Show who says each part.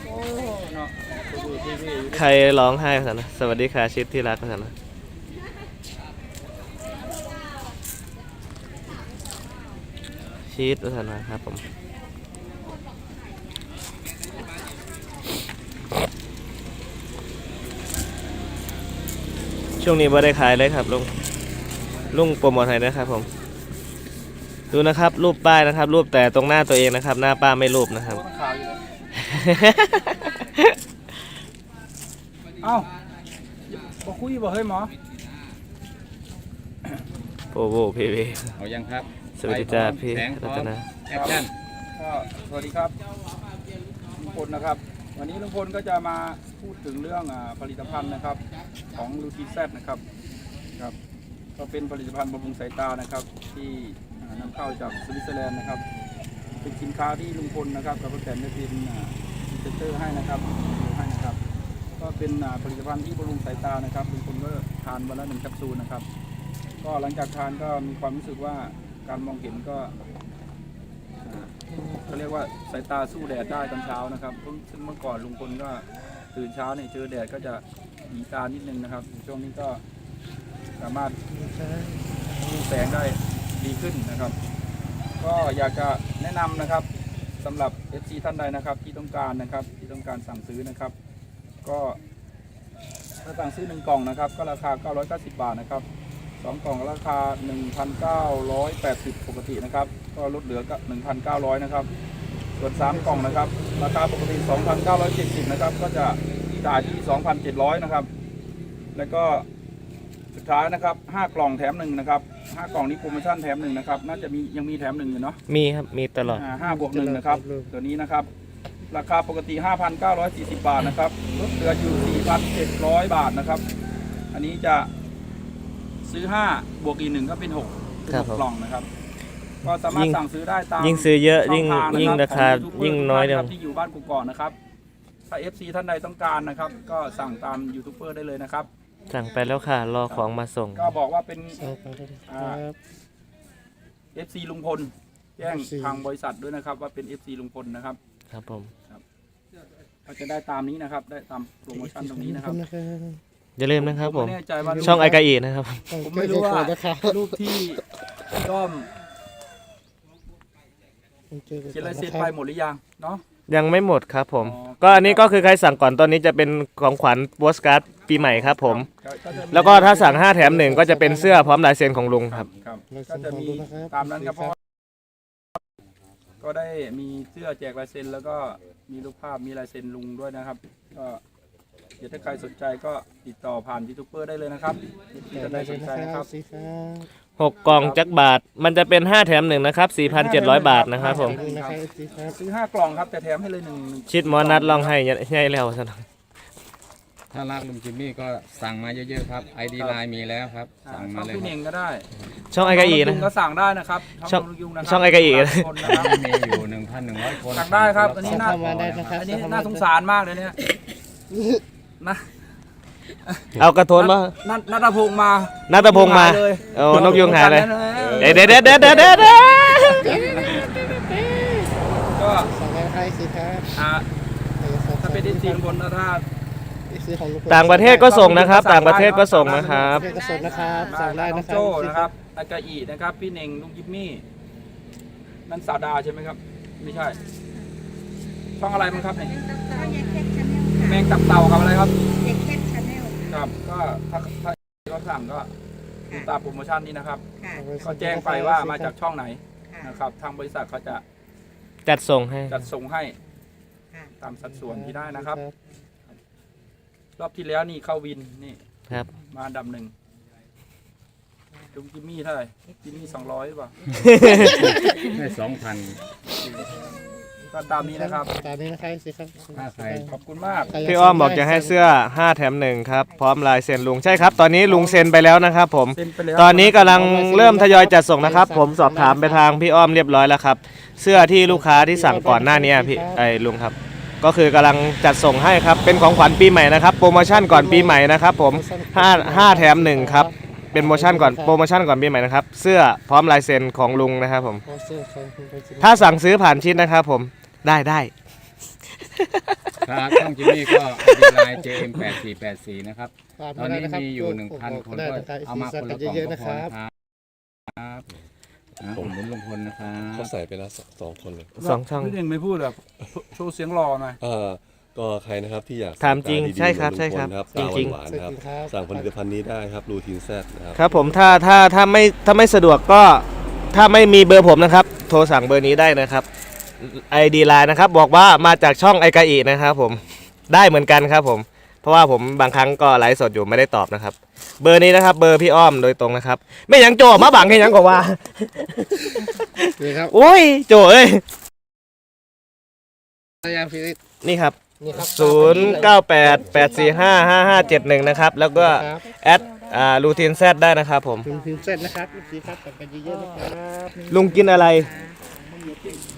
Speaker 1: โอ้เนาะดูทีวีอยู่
Speaker 2: ใครร้องไห้ภาษานะสวัสดีค่ะชิดที่รักภาษานะชีสภาษานะครับผมช่วงนี้ไม่ได้ขายเลยครับลุงโปรโมทให้นะครับผมดูนะครับรูปป้ายนะครับ รูปแต่ตรงหน้าตัวเองนะครับ หน้าป้าไม่รูปนะครับ
Speaker 1: โอ้ข่าวอยู่เลยเอ้าบอกคุยบอกเฮ้ยหมอ
Speaker 2: โปรโวพีวี
Speaker 3: เอายังครับ
Speaker 2: สวัสดีจ้าพี่
Speaker 3: แสงพ
Speaker 2: รั
Speaker 3: ร้อ
Speaker 2: ต
Speaker 3: ม
Speaker 2: นา
Speaker 3: แอคชั่น
Speaker 1: ก็สวัสดีครับลุงพลนะครับ วันนี้ลุงพลก็จะมาพูดถึงเรื่องผลิตภัณฑ์นะครับของลูทีแซนะครับครับ ก็เป็นผลิตภัณฑ์บำรุงสายตานะครับ ที่นำเข้าจากสวิตเซอร์แลนด์นะครับ เป็นสินค้าที่ลุงพลนะครับกับป้าแตนได้เป็นพรีเซนเตอร์ให้นะครับให้นะครับ ก็เป็นผลิตภัณฑ์ที่บำรุงสายตานะครับลุงพลก็ทานวันละ1 แคปซูลนะครับ ก็หลังจากทานก็มีความรู้สึกว่าการมองเห็นก็เขาเรียกว่าสายตาสู้แดดได้ตอนเช้านะครับซึ่งเมื่อก่อนลุงพลก็ตื่นเช้าเนี่ยเจอแดดก็จะหนีตานิดนึงนะครับช่วงนี้ก็สามารถดูแสงได้ดีขึ้นนะครับ ก็อยากจะแนะนำนะครับสำหรับ FC ท่านใดนะครับที่ต้องการนะครับที่ต้องการสั่งซื้อนะครับ ก็ถ้าสั่งซื้อ1 กล่องนะครับก็ราคา990 บาทนะครับ2 กล่องราคา 1,980 ปกตินะครับก็ลดเหลือก็ 1,900 นะครับส่วน3 กล่องนะครับราคาปกติ 2,970 นะครับก็จะจ่ายที่ 2,700 นะครับแล้วก็สุดท้ายนะครับ5 กล่องแถม1นะครับ5 กล่องนี้โปรโมชั่นแถม1นะครับน่าจะมียังมีแถม1อยู่เนาะ
Speaker 2: มีครับมีตลอด
Speaker 1: 5 บวก 1นะครับตัวนี้นะครับราคาปกติ 5,940 บาทนะครับลดเหลืออยู่ 4,700 บาทนะครับอันนี้จะซื้อ5 บวกอีก1ก็เป็น6เป็น
Speaker 2: ครับ
Speaker 1: 6 กล่องนะครับก็สามารถสั่งซื้อได้ตาม
Speaker 2: ยิ่งซื้อเยอะยิ่ง
Speaker 1: ช่องทางนะครับ
Speaker 2: ยิ่งราคา
Speaker 1: ของ YouTuber
Speaker 2: ยิ่งน้อย
Speaker 1: ทุก
Speaker 2: เดียว
Speaker 1: ท่านครับที่อยู่บ้านกุกกอกนะครับถ้า FC ท่านใดต้องการนะครับก็สั่งตามยูทูบเบอร์ได้เลยนะครับ
Speaker 2: สั่งไปแล้วค่ะ รอของมาส่ง
Speaker 1: ก็บอกว่าเป็น
Speaker 4: ครับ
Speaker 1: FC ลุงพลแจ้ง
Speaker 4: FC
Speaker 1: ทางบริษัทด้วยนะครับว่าเป็น FC ลุงพลนะครับ
Speaker 2: ครับผม
Speaker 1: ก็จะได้ตามนี้นะครับได้ตามโปรโมชั่นตรงนี้นะครับ
Speaker 2: อย่าลืมนะครับผม
Speaker 1: ไแน่ใจว่า
Speaker 2: ช่องไอกาอีนะครับ
Speaker 1: ผมไม่รู้ว่ารูปที่ด้อมเขียนลายเซ็นไปหมดหรือยังเนาะ
Speaker 2: ยังไม่หมดครับผม
Speaker 1: อ๋อ
Speaker 2: ก็อันนี้ก็คือใครสั่งก่อนตอนนี้จะเป็นของขวัญโปสการ์ดปีใหม่ครับผม
Speaker 1: ก็จะมี
Speaker 2: แล้วก็ถ้าสั่ง5 แถม 1 ก็จะเป็นเสื้อพร้อมลายเซ็นของลุงครับ
Speaker 1: ครับก็จะมีตามนั้นครับเพราะก็ได้มีเสื้อแจกลายเซ็นแล้วก็มีรูปภาพมีลายเซ็นลุงด้วยนะครับ ก็เดี๋ยวถ้าใครสนใจก็ติดต่อผ่านยูทูบเบอร์ได้เลยนะครับที่ท่านใดสนใจนะครับ
Speaker 2: 6 กล่องจักบาท มันจะเป็น5 แถม 1 นะครับ 4,700 บาทนะครับผม
Speaker 1: ซื้อ5 กล่องครับแต่แถมให้เลย1
Speaker 2: ชิดหมอนัดลองให้ใหญ่แล้วซะหน่อย
Speaker 3: ถ้ารักลุงจิมมี่ก็สั่งมาเยอะๆครับ ID ไลน์มีแล้วครับ สั่ง
Speaker 1: ช่
Speaker 3: มา
Speaker 1: อง
Speaker 3: เลย
Speaker 1: พี่
Speaker 3: ค
Speaker 1: เน่
Speaker 3: รับ
Speaker 1: งก็ได้
Speaker 2: ช่องไอกาอีนะ
Speaker 1: ลุงก็สั่งได้นะครับ
Speaker 2: ช่อง
Speaker 1: ลุงยุงนะครับ
Speaker 2: ช่องไอ้กะอี
Speaker 1: คนนะครับ
Speaker 3: มีอยู่ 1,100 คน
Speaker 1: สั่งได้ครับอันนี้น่า
Speaker 4: เข้ามาได้นะครับ
Speaker 1: อันนี้น่าสงสารมากเลยเนี่ยนะ
Speaker 2: เอากระโทนมา
Speaker 1: นัทพงษ์มา
Speaker 2: นัทพงษ์มา
Speaker 1: เลย
Speaker 2: โอ้นกยุงหายเลย
Speaker 1: เดี๋ยว
Speaker 2: เด็ด
Speaker 1: ก็
Speaker 4: สั่งได้ให้สิครับ
Speaker 1: ถ้าเป็นดิจิทัลบนถ้า
Speaker 4: ซื้อของลุงพล
Speaker 2: ต่างประเทศก็ส่งนะครับ ต่างประเทศก็ส่งนะครับ
Speaker 4: เทศก็ส่งนะครับสั่งได้
Speaker 1: น้
Speaker 4: นะ
Speaker 1: อง
Speaker 4: ครับ
Speaker 1: โจ้นะครับอากาอีนะครับ พี่เน่งลุงยิมมี่นั่นสาวดาใช่ไหมครับ ไม่ใช่ ช่องอะไรมั้งครับเนี่ย
Speaker 5: ก็ยังแค่ชาแนล
Speaker 1: แมงตับเต่ากับอะไรครับ
Speaker 5: ยังแค่ชาแนล
Speaker 1: ครับ ก็ถ้าเขาสั่งก็ดูตามโปรโมชั่นนี้นะครับ
Speaker 5: ค่ะ
Speaker 1: ก็แจ้งไปว่ามาจากช่องไหน
Speaker 5: ค่ะ
Speaker 1: นะครับ ทางบริษัทเขาจะ
Speaker 2: จัดส่งให้
Speaker 1: จัดส่งให้
Speaker 5: ค่ะ
Speaker 1: ตามสัดส่วนที่ได้นะครับ รอบที่แล้วนี่เข้าวินนี่
Speaker 2: ครับ
Speaker 1: มาอันดับ1ลุงจิมมี่เท่าไหร่จิมมี่200หรือเปล่า
Speaker 3: ได้ 2,000
Speaker 1: ก็ตามนี้นะครับ
Speaker 4: ตามนี้นะครับสิครับ
Speaker 3: ถ้าใคร
Speaker 1: ขอบคุณมาก
Speaker 2: พี่อ้อมบอกจะให้เสื้อ5 แถม 1 ครับ พร้อมลายเซ็นลุง ใช่ครับ ตอนนี้ลุงเซ็นไปแล้วนะครับผม
Speaker 1: เซ็นไปแล้ว
Speaker 2: ตอนนี้กำลังเริ่มทยอยจัดส่งนะครับ ผมสอบถามไปทางพี่อ้อมเรียบร้อยแล้วครับ เสื้อที่ลูกค้าที่สั่งก่อนหน้านี้พี่ลุงครับ ก็คือกำลังจัดส่งให้ครับ เป็นของขวัญปีใหม่นะครับ โปรโมชั่นก่อนปีใหม่นะครับผม5 แถม 1 ครับ เป็นโปรโมชั่นก่อนปีใหม่นะครับ เสื้อพร้อมลายเซ็นของลุงนะครับผม ถ้าสั่งซื้อผ่านชิดนะครับผม ได้
Speaker 3: ครับช่องจิมมี่ก็ไอดีไลน์ JM8484 นะครับ
Speaker 4: ฝาก
Speaker 3: ตอน
Speaker 4: มา
Speaker 3: นี้
Speaker 4: ได้นะครับ
Speaker 3: มีอยู่ 1,000 คน
Speaker 4: ได้
Speaker 3: ก็
Speaker 4: นะครับ
Speaker 3: เอามาคนละกล่อง
Speaker 4: เย
Speaker 3: ก็
Speaker 4: อะๆนะ
Speaker 3: พอ
Speaker 4: ครับ
Speaker 3: นะครับผมลุงพลนะครับ
Speaker 6: เขาใส่ไปแล้วสองคนเลย
Speaker 2: สองช่อง
Speaker 1: พี่เน่งไม่พูดแบบโชว์เสียงรอหน่อย
Speaker 6: ก็ใครนะครับที่อยาก
Speaker 2: ถามจริง
Speaker 6: ตดีๆ
Speaker 2: ใช่ครับ
Speaker 6: เหมือน
Speaker 2: ใช่ครับ
Speaker 6: ลุงพล
Speaker 2: จริงๆ
Speaker 6: ตาหวานๆนะครับ
Speaker 4: ครับ
Speaker 6: สั่งผลิตภัณฑ์นี้ได้ครับรูทีนแซดนะครับ
Speaker 2: ครับผมถ้าไม่สะดวกก็ถ้าไม่มีเบอร์ผมนะครับ โทรสั่งเบอร์นี้ได้นะครับ ID ไลน์นะครับบอกว่ามาจากช่องไอกาอีนะครับผมได้เหมือนกันครับผมเพราะว่าผมบางครั้งก็ไลฟ์สดอยู่ไม่ได้ตอบนะครับ เบอร์นี้นะครับเบอร์พี่อ้อมโดยตรงนะครับ ไม่หยังโจมาบังให้หยังก็ว่า
Speaker 4: นี่ครับ
Speaker 2: โอ้ยโจเอ้ย
Speaker 4: พยายามฟิลิป
Speaker 2: นี่ครับ
Speaker 4: นี่ครับ
Speaker 2: 0988455571นะครับแล้วก็
Speaker 4: ครับ
Speaker 2: แอดรูทีนแซดได้นะครับผม
Speaker 4: ถึงเสร็จนะครับสีครับสั่งกันเยอะๆนะครับ
Speaker 2: ลุงกินอะไร